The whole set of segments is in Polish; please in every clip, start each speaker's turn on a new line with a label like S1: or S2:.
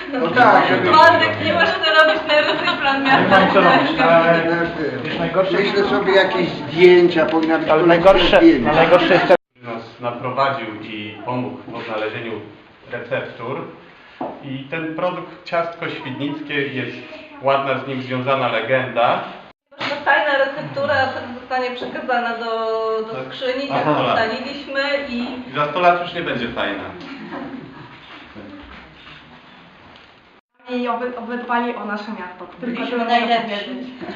S1: No tak, żeby...
S2: Waldek, nie masz co robić, najlepszy plan miasta.
S1: Myślę sobie jakieś zdjęcia, powinna być
S3: Ale najgorsze jest to...
S4: Nas naprowadził i pomógł w odnalezieniu receptur. I ten produkt ciastko świdnickie, jest ładna z nim związana legenda.
S2: Tajna receptura zostanie przekazana do skrzyni, tak ustaliliśmy i...
S4: Za 100 lat już nie będzie tajna.
S5: I obydbali o nasze miasto.
S2: Byliśmy najlepsi.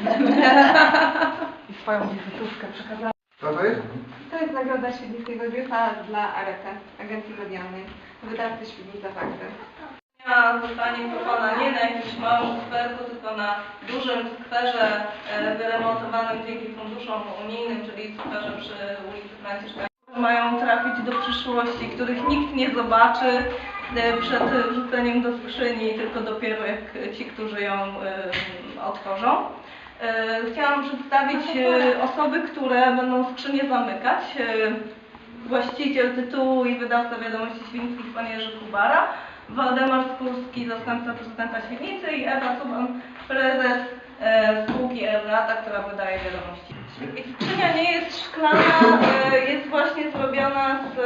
S5: I swoją wizytówkę przekazali.
S1: Co to jest?
S6: To jest nagroda Świdnickiego Biusa dla ARETE, Agencji Medialnej, wydawcy Świdnica Fakty.
S2: Zostanie kupowana nie na jakimś małym skwerku, tylko na dużym skwerze wyremontowanym dzięki funduszom unijnym, czyli skwerze przy ulicy Franciszka. Mają trafić do przyszłości, których nikt nie zobaczy przed wrzuceniem do skrzyni, tylko dopiero jak ci, którzy ją otworzą. Chciałam przedstawić osoby, które będą skrzynię zamykać. Właściciel tytułu i wydawca Wiadomości Świdnickich pan Jerzy Kubara, Waldemar Skórski, zastępca prezydenta Świdnicy i Ewa Suban, prezes spółki Eurata, która wydaje wiadomości. Skrzynia nie jest szklana, jest właśnie zrobiona z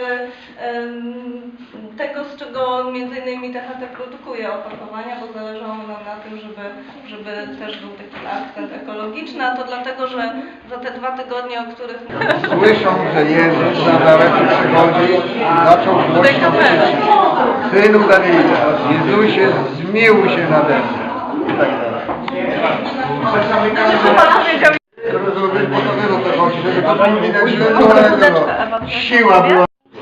S2: tego, z czego m.in. THT produkuje opakowania, bo zależało nam na tym, żeby też był taki akcent ekologiczny, a to dlatego, że za te 2 tygodnie, o których...
S1: Słyszą, że Jezus na daleko przychodzi, zaczął głośno krzyczeć: Synu Dawida, Jezusie, zmiłuj się nade mną. I tak dalej. Rozumiem, bo to wiesz o co chodzi, żeby to było widać, że to siła była.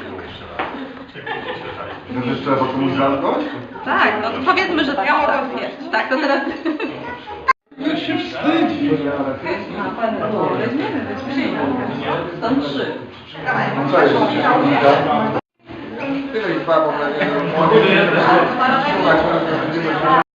S1: Że trzeba komuś zamknąć?
S2: Tak, no to powiedzmy, że ja mogę zjeść. Tak, to teraz...
S1: No się wstydzi.
S2: Są 3.
S1: No co jest? Tyle ich babą na nie.